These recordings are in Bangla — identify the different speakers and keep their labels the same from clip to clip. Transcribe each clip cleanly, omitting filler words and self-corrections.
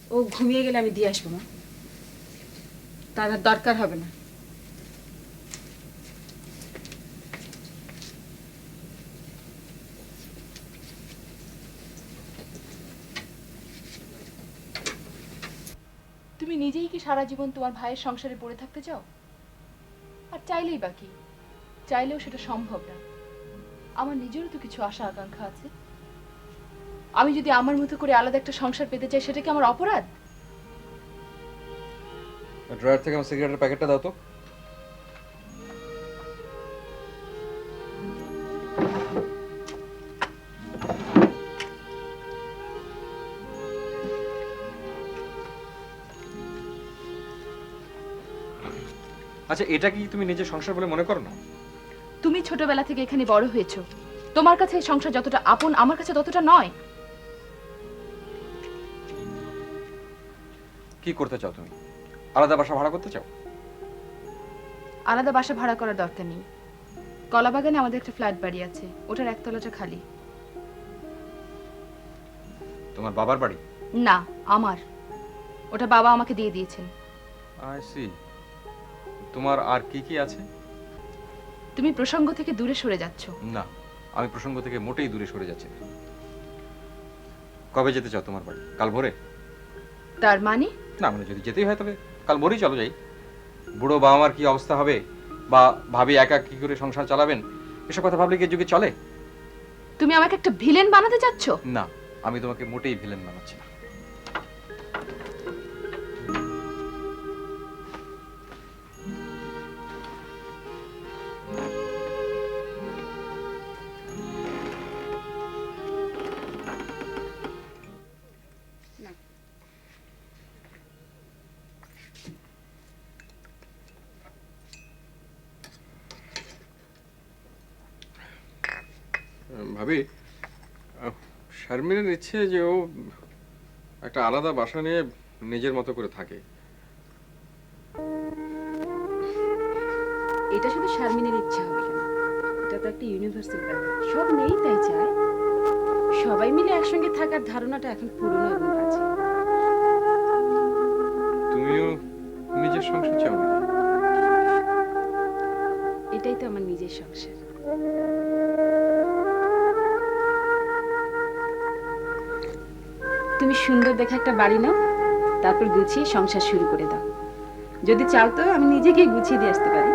Speaker 1: ও ঘুমিয়ে গেলে আমি দিয়ে আসবো মা। তার আর দরকার হবে না।
Speaker 2: তুমি নিজেই কি সারা জীবন তোমার ভাইয়ের সংসারে পড়ে থাকতে চাও? আর চাইলেই বাকি, চাইলেও সেটা সম্ভব না। আমার নিজেরও তো কিছু আশা আকাঙ্ক্ষা আছে। আমি যদি আমার মতো করে আলাদা একটা সংসার পেতে চাই, সেটা কি আমার অপরাধ?
Speaker 3: ড্রয়ার থেকে আমার সিগারেটের প্যাকেটটা দাও তো। আচ্ছা, এটা কি তুমি নিজের সংসার বলে মনে করো না?
Speaker 2: তুমি ছোটবেলা থেকে এখানে বড় হয়েছো, তোমার কাছে এই সংসার যতটা আপন, আমার কাছে ততটা নয়।
Speaker 3: কি করতে চাও তুমি? আলাদা বাসা ভাড়া করতে চাও?
Speaker 2: আলাদা বাসা ভাড়া করার দরকার নেই। কলাবাগানে আমাদের একটা ফ্ল্যাট বাড়ি আছে, ওটার একতলাটা খালি।
Speaker 3: তোমার বাবার বাড়ি?
Speaker 2: না, আমার। ওটা বাবা আমাকে দিয়ে দিয়েছেন।
Speaker 3: I see. তোমার আর কি কি আছে?
Speaker 2: তুমি প্রসঙ্গ থেকে দূরে সরে যাচ্ছ।
Speaker 3: না, আমি প্রসঙ্গ থেকে মোটেই দূরে সরে যাচ্ছি না। কবে যেতে চাও তোমার বাড়ি? কাল ভোরে?
Speaker 2: তার মানে?
Speaker 3: না মানে যদি যেতেই হয় তবে কাল ভোরেই চলো যাই। বুড়ো বাবা মার কি অবস্থা হবে, বা ভাবি একা কি করে সংসার চালাবেন, এসব কথা ভাবলে কি যুগে চলে?
Speaker 2: তুমি আমাকে একটা ভিলেন বানাতে চাচ্ছ?
Speaker 3: না, আমি তোমাকে মোটেই ভিলেন বানাচ্ছি না।
Speaker 4: ভাবি, শারমিনের ইচ্ছে যে ও একটা আলাদা বাসা নিয়ে নিজের মতো করে থাকে।
Speaker 1: এটা শুধু শারমিনের ইচ্ছা হবে কেন? এটা তো একটা ইউনিভার্সাল ব্যাপার, সব মেয়েই তাই চায়। সবাই মিলে একসঙ্গে থাকার ধারণাটা এখন পুরনো এবং বাজে।
Speaker 4: তুমিও নিজের সংসার চাও নাকি?
Speaker 1: এটাই তো আমার নিজের সংসার। তুমি সুন্দর দেখে একটা বাড়ি নাও, তারপর গুছিয়ে সংসার শুরু করে দাও। যদি চাও তো আমি নিজে গিয়ে গুছিয়ে দিয়ে আসতে পারি।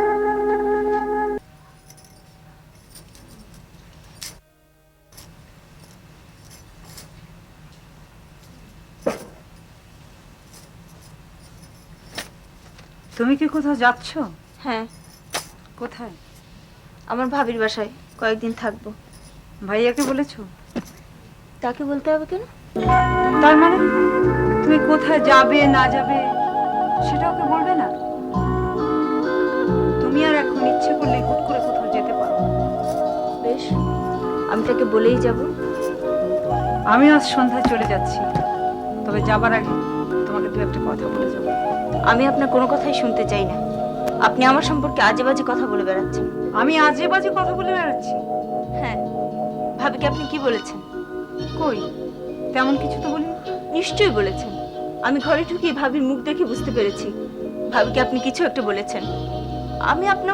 Speaker 5: তুমি কি কোথাও যাচ্ছ?
Speaker 6: হ্যাঁ,
Speaker 5: কোথায়?
Speaker 6: আমার ভাবির বাসায় কয়েকদিন থাকবো।
Speaker 5: ভাইয়াকে বলেছো?
Speaker 6: তাকে বলতে হবে কেন?
Speaker 5: তার মানে তুমি কোথায় যাবে না যাবে সেটা ওকে বলবে না? তুমি আর এখন ইচ্ছে করলে হুট করে কোথাও যেতে পারো।
Speaker 6: বেশ, আমি তাকে বলেই যাব।
Speaker 5: আমি আজ সন্ধ্যায় চলে যাচ্ছি, তবে যাবার আগে তোমাকে দু একটা কথা বলে যাবো।
Speaker 6: আমি আপনার কোনো কথাই শুনতে চাই না। আপনি আমার সম্পর্কে আজে বাজে কথা বলে বেড়াচ্ছেন।
Speaker 5: আমি আজে বাজে কথা বলে বেড়াচ্ছি?
Speaker 6: হ্যাঁ, ভাবিকে আপনি কি বলেছেন?
Speaker 5: কই, তেমন কিছু তো বলিনি।
Speaker 6: নিশ্চয়ই বলেছেন। আমি ঘরে ঢুকিয়ে ভাবির মুখ দেখে বুঝতে পেরেছি ভাবিকে আপনি কিছু একটা বলেছেন। আমি আপনার